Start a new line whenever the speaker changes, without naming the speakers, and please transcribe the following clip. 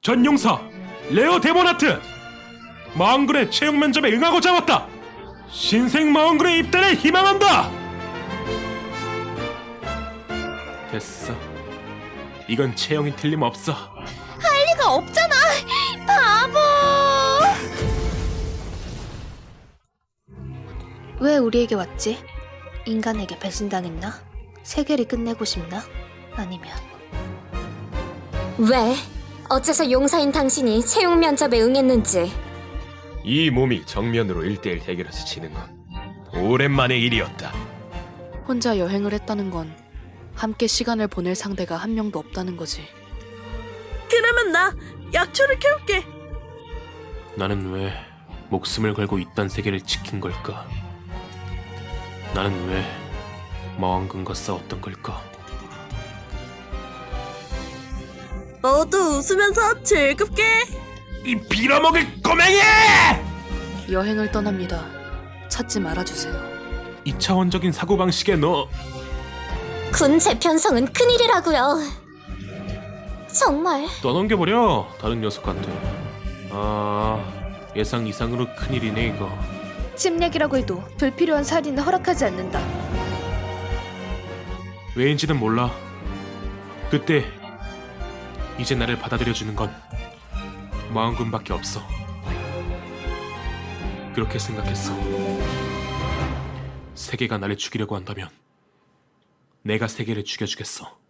전용사 레오 데모나트 마왕군의 채용 면접에 응하고자 왔다. 신생 마왕군의 입단을 희망한다. 됐어. 이건 채용이 틀림없어.
할 리가 없잖아. 바보. 왜 우리에게 왔지? 인간에게 배신당했나? 세계를 끝내고 싶나? 아니면
왜? 어째서 용사인 당신이 채용 면접에 응했는지.
이 몸이 정면으로 1대1 대결에서 지는 건 오랜만의 일이었다.
혼자 여행을 했다는 건 함께 시간을 보낼 상대가 한 명도 없다는 거지.
그러면 나 약초를 캐올게.
나는 왜 목숨을 걸고 이딴 세계를 지킨 걸까? 나는 왜 마왕군과 싸웠던 걸까?
모두 웃으면서 즐겁게.
이 빌어먹을 꼬맹이!
여행을 떠납니다. 찾지 말아주세요.
2차원적인 사고방식에 너
군 재편성은 큰일이라고요. 정말.
떠넘겨버려. 다른 녀석한테. 예상 이상으로 큰일이네 이거.
침략이라고 해도 불필요한 살인은 허락하지 않는다.
왜인지는 몰라. 그때 이제 나를 받아들여주는 건 마왕군밖에 없어. 그렇게 생각했어. 세계가 나를 죽이려고 한다면 내가 세계를 죽여주겠어.